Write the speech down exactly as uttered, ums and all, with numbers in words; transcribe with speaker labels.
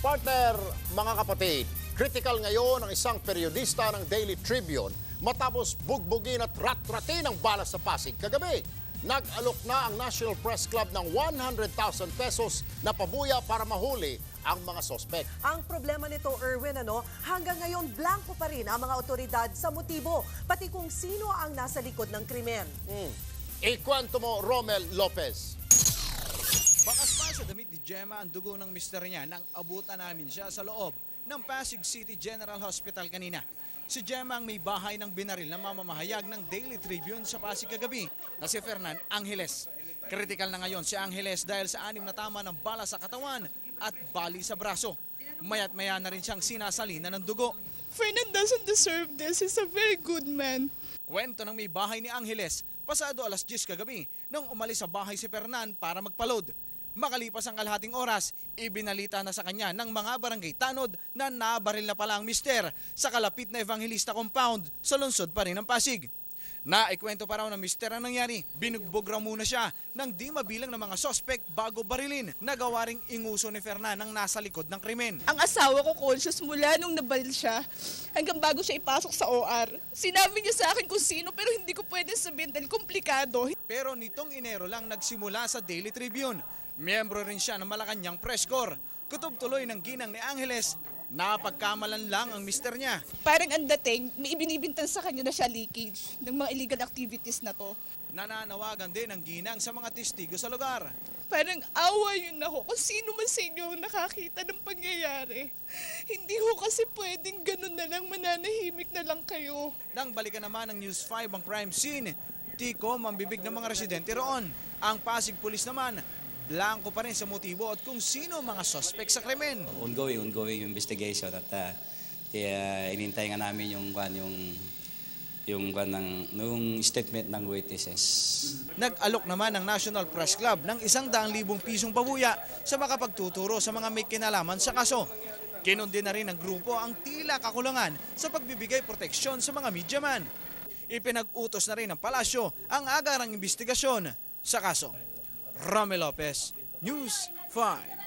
Speaker 1: Partner, mga kapatid, critical ngayon ang isang periodista ng Daily Tribune matapos bugbugin at rat-ratin ang balas sa Pasig kagabi. Nag-alok na ang National Press Club ng one hundred thousand pesos na pabuya para mahuli ang mga sospek.
Speaker 2: Ang problema nito, Erwin, ano, hanggang ngayon blanco pa rin ang mga otoridad sa motibo, pati kung sino ang nasa likod ng krimen.
Speaker 1: Hmm. Ikwento mo, Romel Lopez.
Speaker 3: Bakas pa sa damit ni Gemma ang dugo ng mister niya nang abutan namin siya sa loob ng Pasig City General Hospital kanina. Si Gemma ang may bahay ng binaril na mamamahayag ng Daily Tribune sa Pasig kagabi na si Fernan Angeles. Critical na ngayon si Angeles dahil sa anim na tama ng bala sa katawan at bali sa braso. Mayat maya na rin siyang sinasalina ng dugo.
Speaker 4: Fernan doesn't deserve this. He's a very good man.
Speaker 3: Kwento ng may bahay ni Angeles, pasado alas diyes kagabi nang umalis sa bahay si Fernan para magpaload. Makalipas ang kalahating oras, ibinalita na sa kanya ng mga barangay tanod na nabaril na pala ang mister sa kalapit na Evangelista Compound sa lungsod pa rin ng Pasig. Naikwento pa raw ng mister ang nangyari, binugbog raw muna siya ng di mabilang ng mga sospek bago barilin na gawa ring inguso ni Fernan ang nasa likod ng krimen.
Speaker 4: Ang asawa ko conscious mula nung nabaril siya hanggang bago siya ipasok sa O R. Sinabi niya sa akin kung sino pero hindi ko pwede sabihin dahil komplikado.
Speaker 3: Pero nitong Enero lang nagsimula sa Daily Tribune. Miyembro rin siya ng Malacanang Press Corps. Kutob tuloy ng ginang ni Angeles, napagkamalan lang ang mister niya.
Speaker 4: Parang ang dating, may ibinibintan sa kanya na siya leakage ng mga illegal activities na to.
Speaker 3: Nananawagan din ang ginang sa mga testigo sa lugar.
Speaker 4: Parang awa yun ako kung sino man sa inyo ang nakakita ng pangyayari. Hindi ko kasi pwedeng ganun na lang, mananahimik na lang kayo.
Speaker 3: Nang balikan naman ng News five ang crime scene, tiko mambibig ng mga residente roon. Ang Pasig Police naman, blanco pa rin sa motibo at kung sino mga suspect sa krimen.
Speaker 5: Ongoing, ongoing investigation at uh, uh, inintay nga namin yung kwan yung yung kwan ng nung statement ng witnesses.
Speaker 3: Nag-alok naman ng National Press Club ng isang daang libong pisong pabuya sa makapagtuturo sa mga may kinalaman sa kaso. Kinundi na rin ng grupo ang tila kakulangan sa pagbibigay proteksyon sa mga media-man. Ipinag-utos na rin ng palasyo ang agarang investigasyon sa kaso. Romel Lopez, News five.